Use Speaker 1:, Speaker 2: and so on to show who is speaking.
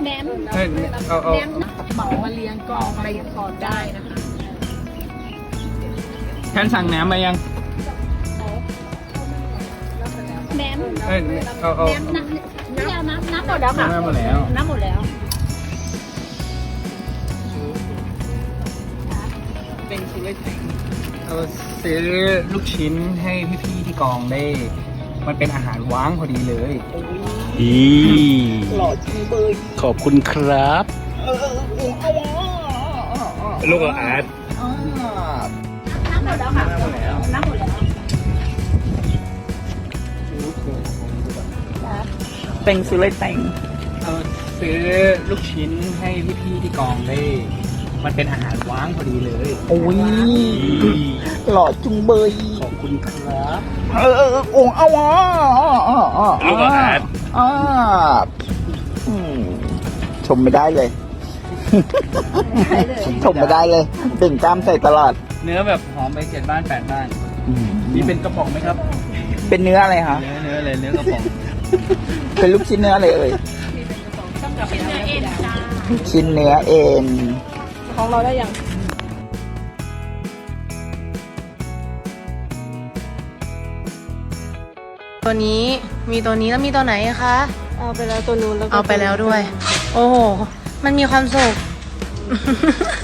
Speaker 1: แหนม
Speaker 2: เฮ้ยเอา
Speaker 1: แหนมเหมามาเลี้ยงกองไปทอดได้นะคะ
Speaker 2: แทนสั่งแหนมมายัง
Speaker 1: แหนม
Speaker 2: เฮ้ยเอา
Speaker 1: แหนมน้ำหมดแล้วค่ะ
Speaker 2: น้ำหมดแล้ว
Speaker 1: น้ำหมดแล้ว
Speaker 2: เป็นซื้อเอาซื้อลูกชิ้นให้พี่ๆที่กองได้ มันเป็นอาหารว้างพอดีเลย
Speaker 3: หล่อจริงเบยขอบคุณครับ ลูกอาร์ต
Speaker 1: น้ำหมดแล้วค่ะ น้ำหมดแล้ว
Speaker 3: เต็งซื้อเลยเต็ง
Speaker 2: เอาซื้อลูกชิ้นให้พี่ๆที่กองได้ มันเป็นอาหารว้างพอดีเลย
Speaker 3: โอ้ยหล่อจุงเบยขอบคุณครับองเอาลูกอาร์ตชมไม่ได้เลย ชมไม่ได้เลยเต่งกล้ามใส่ตลอด
Speaker 2: เนื้อแบบหอมไป7 บ้าน 8 บ้านนี่เป็นกระป๋องไหมครับ
Speaker 3: เป็นเนื้ออะไรคะ
Speaker 2: เนื้อเลยเนื้อกระป๋อง
Speaker 3: เป็นลูกชิ้นเนื้ออะไรเอ่ย
Speaker 1: ชิ้นเนื้อเอ็นจ้า
Speaker 3: ชิ้นเนื้อเอ็น
Speaker 1: ของเราได้ยัง
Speaker 4: ตัวนี้มีตัวนี้แล้วมีตัวไหนคะ
Speaker 1: เอาไปแล้วตัวนู้นแล้ว
Speaker 4: เอาไปแล้วด้วย โอ้โห มันมีความสุข